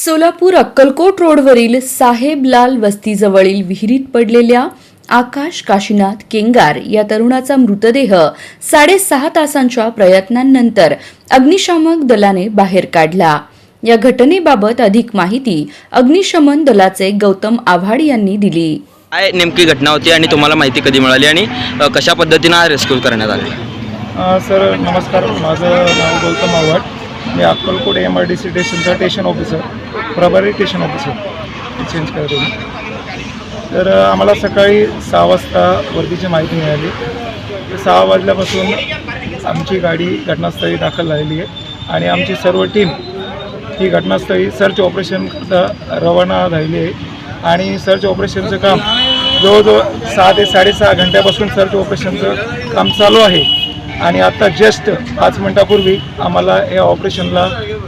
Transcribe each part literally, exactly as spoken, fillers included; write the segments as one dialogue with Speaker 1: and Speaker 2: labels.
Speaker 1: सोलापूर अक्कलकोट रोडवरील साहेबलाल वस्तीजवळील विहिरीत पडलेल्या आकाश काशीनाथ केंगार या तरुणाचा मृतदेह साडेसहा तासांच्या प्रयत्नांनंतर अग्निशामक दलाने बाहेर काढला। या घटनेबाबत अधिक माहिती अग्निशमन दलाचे गौतम आव्हाड यांनी दिली।
Speaker 2: काय नेमकी घटना होती आणि तुम्हाला माहिती कधी मिळाली आणि अ, कशा पद्धतीने रेस्क्यू करण्यात आले?
Speaker 3: अ, सर नमस्कार, माझं नाव गौतम आव्हाड, मी Akkalkot M R D C स्टेशनचा स्टेशन ऑफिसर, प्रभारी स्टेशन ऑफिसर चेंज करतो मी। तर अ, आम्हाला सकाळी सहा वाजता वर्दीची माहिती मिळाली। तर सहा वाजल्यापासून आमची गाडी घटनास्थळी दाखल झालेली आहे आणि आमची सर्व टीम ही घटनास्थळी सर्च ऑपरेशनकरता रवाना झालेली आहे आणि सर्च ऑपरेशनचं काम जवळजवळ सहा ते साडेसहा घंट्यापासून सर्च ऑपरेशनचं काम चालू आहे आणि आता जस्ट पाच मिनटापूर्वी आम्हाला या ऑपरेशनला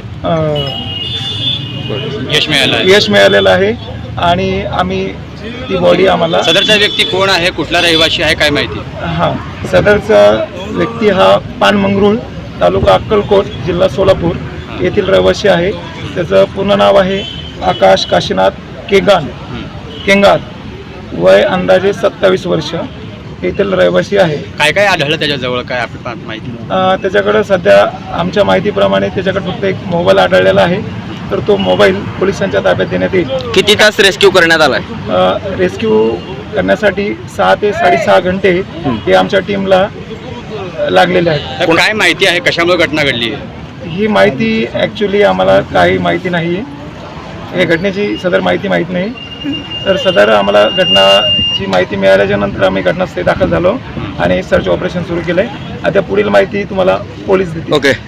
Speaker 4: यश मिळालं आहे.
Speaker 3: यश मिळालेलं आहे आणि आम्ही ती बॉडी आम्हाला
Speaker 4: सदरचा व्यक्ती कोण आहे, कुठला रहिवासी आहे, काय माहिती?
Speaker 3: हां, सदरचा व्यक्ती हा पानमंगरूळ, तालुका अक्कलकोट, जिल्हा सोलापूर येथील रहिवासी आहे। त्याचं पूर्ण नाव आहे आकाश काशीनाथ केगान केंगार, वय अंदाजे सत्तावीस वर्ष, येथील रहिवासी आहे।
Speaker 4: काय काय आढळलं त्याच्याजवळ, काय आपली माहिती?
Speaker 3: अ, त्याच्याकडे सध्या आमच्या माहितीप्रमाणे त्याच्याकडे फक्त एक मोबाईल आढळलेला आहे, तर तो मोबाईल पोलिसांच्या ताब्यात देण्यात येईल।
Speaker 2: किती तास रेस्क्यू करण्यात आलाय?
Speaker 3: रेस्क्यू करण्यासाठी सहा ते साडेसहा घंटे हे आमच्या टीमला लागलेले आहेत।
Speaker 4: तर काय माहिती आहे, कशामुळे घटना घडली आहे?
Speaker 3: ही माहिती ॲक्च्युली आम्हाला काही माहिती नाही आहे, हे घटनेची सदर माहिती माहीत नाही। तर सदर आम्हाला घटनाची माहिती मिळाल्याच्या नंतर आम्ही घटनास्थळी दाखल झालो आणि सर्च ऑपरेशन सुरू केलं आहे। आता पुढील माहिती तुम्हाला पोलीस देतील।
Speaker 2: ओके,